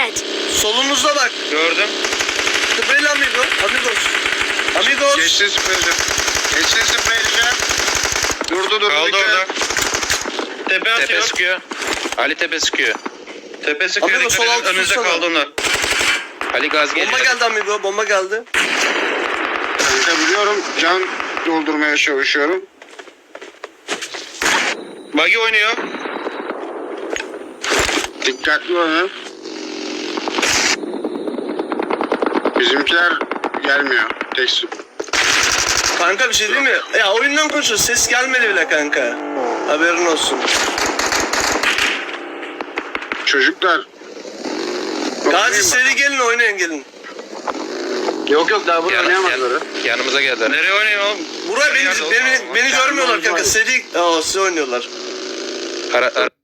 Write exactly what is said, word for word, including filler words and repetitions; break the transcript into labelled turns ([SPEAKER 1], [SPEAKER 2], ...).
[SPEAKER 1] ahead.
[SPEAKER 2] Solumuzda bak.
[SPEAKER 3] Gördüm.
[SPEAKER 2] Spreyli amigo. Amigos. Amigos.
[SPEAKER 4] Geçsin spreyli. Geçsin spreyli. Durdu durdu.
[SPEAKER 3] Kaldı
[SPEAKER 4] dikkat.
[SPEAKER 3] orada. Tepe
[SPEAKER 5] Tepe
[SPEAKER 3] atıyor.
[SPEAKER 5] sıkıyor. Ali tepe sıkıyor.
[SPEAKER 3] Tepe sıkıyor.
[SPEAKER 2] Amigo,
[SPEAKER 3] Dikkat
[SPEAKER 2] sol
[SPEAKER 3] edin.
[SPEAKER 2] altı
[SPEAKER 3] Önünüzde
[SPEAKER 2] tutsana.
[SPEAKER 3] kaldı onlar.
[SPEAKER 5] Ali gaz geliyor.
[SPEAKER 2] Bomba geldi amigo. Bomba geldi.
[SPEAKER 4] Ben de biliyorum. Can doldurmaya çalışıyorum.
[SPEAKER 3] Buggy oynuyor.
[SPEAKER 4] Dikkatli olun. Bizimkiler gelmiyor. Tek su.
[SPEAKER 2] Kanka bir şey değil mi? Ya oyundan konuşuyoruz. Ses gelmedi bile kanka. Haberin olsun.
[SPEAKER 4] Çocuklar.
[SPEAKER 2] Gazi seri gelin oynayın gelin.
[SPEAKER 4] Yok yok daha burada
[SPEAKER 5] Yan,
[SPEAKER 4] oynayamazlar.
[SPEAKER 5] yan, yanımıza geldiler.
[SPEAKER 3] Nereye oynuyor oğlum?
[SPEAKER 2] Buraya beni,
[SPEAKER 3] Yerde
[SPEAKER 2] beni,
[SPEAKER 3] olsun.
[SPEAKER 2] beni görmüyorlar kanka. Seri... Aa siz oynuyorlar.
[SPEAKER 5] Ara, ara,